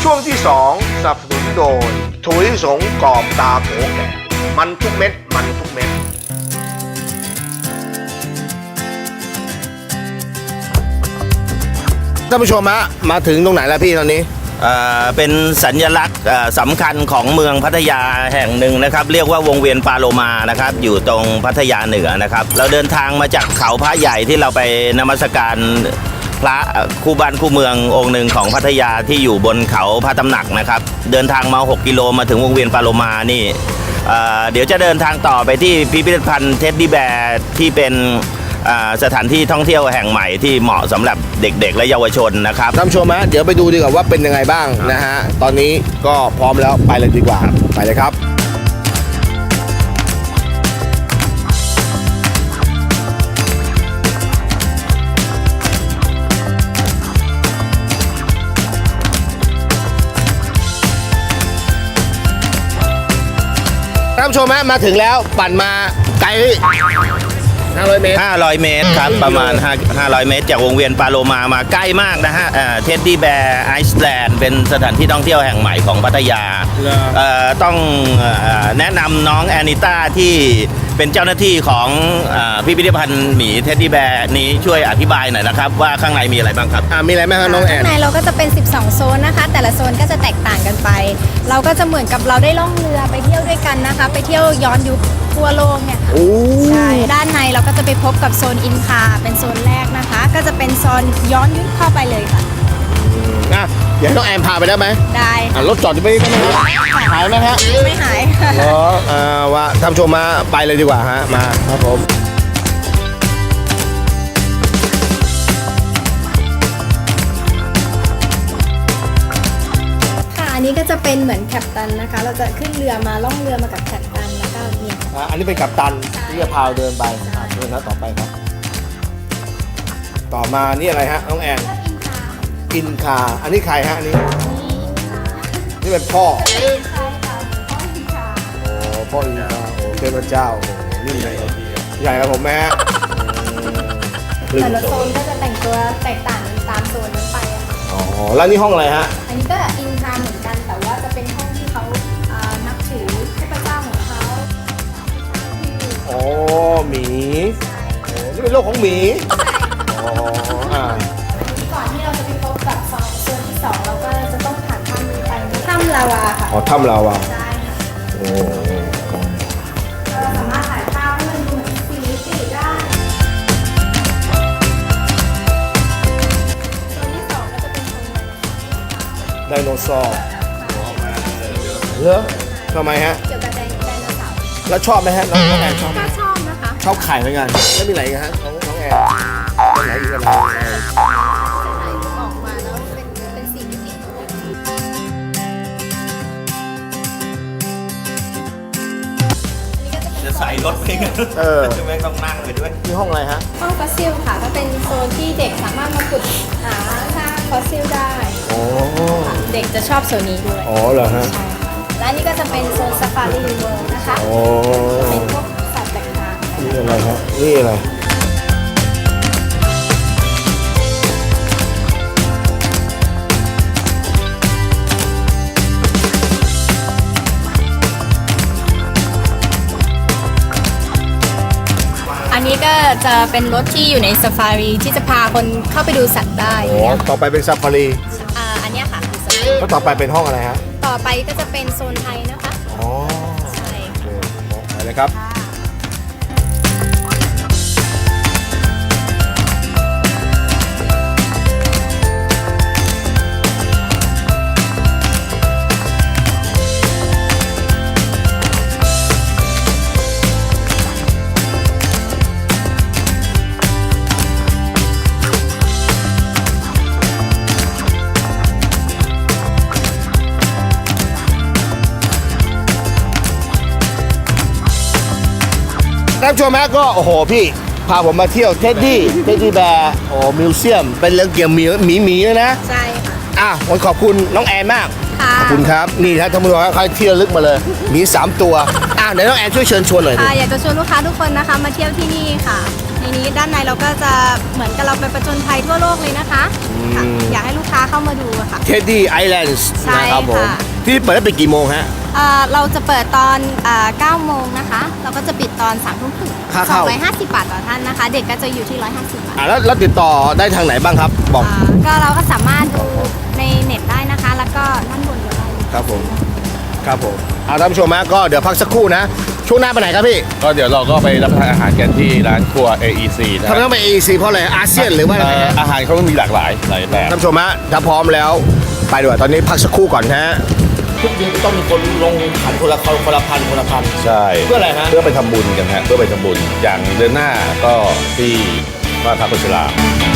ช่วงที่2สนับสนุนโดยถั่วลิสงกรอบตาโขแก่มันทุกเม็ดมันทุกเม็ดท่านผู้ชมฮะมาถึงตรงไหนแล้วพี่ตอนนี้เป็นสัญลักษณ์สำคัญของเมืองพัทยาแห่งหนึ่งนะครับเรียกว่าวงเวียนปาโลมานะครับอยู่ตรงพัทยาเหนือนะครับเราเดินทางมาจากเขาพระใหญ่ที่เราไปนมัสการพระคู่บ้านคู่เมืององค์หนึ่งของพัทยาที่อยู่บนเขาพระตำหนักนะครับเดินทางมา6 กิโลมาถึงวงเวียนปาโลมานี่เดี๋ยวจะเดินทางต่อไปที่พิพิธภัณฑ์เท็ดดี้แบร์ที่เป็นสถานที่ท่องเที่ยวแห่งใหม่ที่เหมาะสำหรับเด็กๆและเยาวชนนะครับท่านผู้ชมฮะเดี๋ยวไปดูดีกว่าว่าเป็นยังไงบ้างนะฮะตอนนี้ก็พร้อมแล้วไปเลยดีกว่าไปเลยครับท่านผู้ชมฮะมาถึงแล้วปั่นมาไกล500 เมตร 500 เมตรครับประมาณ500 เมตรจากวงเวียนปาโลมาใกล้มากนะฮะเท็ดดี้แบร์ไอซ์แลนด์เป็นสถานที่ท่องเที่ยวแห่งใหม่ของพัทยาต้องแนะนำน้องแอนิต้าที่เป็นเจ้าหน้าที่ของพิพิธภัณฑ์หมีเท็ดดี้แบร์นี้ช่วยอธิบายหน่อยนะครับว่าข้างในมีอะไรบ้างครับมีอะไรบ้างครับน้องแอนข้างในเราก็จะเป็น12 โซนนะคะแต่ละโซนก็จะแตกต่างกันไปเราก็จะเหมือนกับเราได้ล่องเรือไปเที่ยวด้วยกันนะคะไปเที่ยวย้อนยุคทั่วโลกเนี่ยใช่ด้านในเราก็จะไปพบกับโซนอินคาเป็นโซนแรกนะคะก็จะเป็นโซนย้อนยุคเข้าไปเลยค่ะเดี๋ยวน้องแอนพาไปได้ไหมได้รถจอดจะไม่ได้ไหมหายไหมฮะไม่หายว่าท่านผู้ชมมาไปเลยดีกว่าฮะมาครับผมอันนี้ก็จะเป็นเหมือนแคปตันนะคะเราจะขึ้นเรือมาล่องเรือมากับแคปตันแล้วก็เนี่ยอันนี้เป็นกัปตันที่จะพาเดินไปเดินนะต่อไปครับต่อมานี่อะไรฮะน้องแอนอินคาอันนี้ใครฮะอันนี้นี่เป็นพ่อพ่ออินคาโอ้เทพเจ้านี่ใหญ่ใหญ่ครับผมแม่แต่ละโซนก็จะแต่งตัวแตกต่างกันตามโซนนั้นไปแล้วนี่ห้องอะไรฮะอันนี้ก็อินคาเหมือนกันแต่ว่าจะเป็นห้องที่เขานับถือเทพเจ้าของเขาหมีนี่เป็นโลกของหมีก่อนที่เราจะไปพบกับโซนที่2เราก็จะต้องผ่านถ้ำนี้ไปถ้ำลาวาค่ะถ้ำลาวาใช่ค่ะเราสามารถถ่ายภาพให้มันดูเหมือน4 มิติได้โซนที่2ก็จะเป็นโซนไดโนเสาร์เหรอทำไมฮะเกี่ยวกับไดโนเสาร์แล้วชอบไหมฮะน้องแอนชอบก็ชอบนะคะชอบไข่เหมือนกันแล้วมีอะไรกันฮะน้องแอนไหนอีกอะไรออกมาแล้วเป็น4 มิติจะใส่รถไปกันจะไม่ต้องนั่งไปด้วยนี่ห้องอะไรฮะห้องฟอสซิลค่ะก็เป็นโซนที่เด็กสามารถมาขุดหาซากฟอสซิลได้เด็กจะชอบโซนนี้ด้วยเหรอฮะและนี่ก็จะเป็นโซนซาฟารีเวิลด์นะคะเป็นพวกสัตว์ต่างๆนี่อะไรฮะนี่อะไรอันนี้ก็จะเป็นรถที่อยู่ในซาฟารีที่จะพาคนเข้าไปดูสัตว์ได้ต่อไปเป็นซาฟารีอันนี้ค่ะแล้วต่อไปเป็นห้องอะไรฮะต่อไปก็จะเป็นโซนไทยนะคะใช่ไปเลยครับท่านผู้ชมฮะก็โอ้โหพี่พาผมมาเที่ยวเท็ดดี้แบร์มิวเซียมเป็นเรื่องเกี่ยวกับหมีเลยนะใช่ค่ะผมขอบคุณน้องแอนมากค่ะขอบคุณครับนี่นะท่านผู้ชมครับเขาที่ระลึกมาเลยมี 3 ตัวเดี๋ยวน้องแอนช่วยเชิญชวนหน่อยดิค่ะอยากจะชวนลูกค้าทุกคนนะคะมาเที่ยวที่นี่ค่ะในนี้ด้านในเราก็จะเหมือนกับเราไปประจนภัยทั่วโลกเลยนะคะค่ะอยากให้ลูกค้าเข้ามาดูอะค่ะเท็ดดี้ไอแลนด์ใช่นะครับผมค่ะที่เปิดได้ไปกี่โมงฮะเราจะเปิดตอน9 โมงนะคะ เราก็จะปิดตอน3 ทุ่มครึ่งค่าเข้า 250 บาทต่อท่านนะคะ เด็กก็จะอยู่ที่ 150 บาทแล้วติดต่อได้ทางไหนบ้างครับ บอกก็เราก็สามารถดูในเน็ตได้นะคะ แล้วก็ด้านบนก็ได้ครับผมครับผมท่านผู้ชมฮะก็เดี๋ยวพักสักครู่นะช่วงหน้าไปไหนครับพี่ก็เดี๋ยวเราก็ไปรับประทานอาหารกันที่ร้านครัว AEC นะทำไมต้องไป AEC เพราะอะไรอาเซียนหรือว่าอะไรฮะอาหารเขามีหลากหลายแบบท่านผู้ชมฮะถ้าพร้อมแล้วไปดีกว่าตอนนี้พักสักครู่ก่อนฮะทุกเดือนต้องมีคนลงขันคนละพันใช่เพื่ออะไรฮะเพื่อไปทำบุญกันฮะเพื่อไปทำบุญอย่างเดือนหน้าก็ที่บ้านพักโฆษลา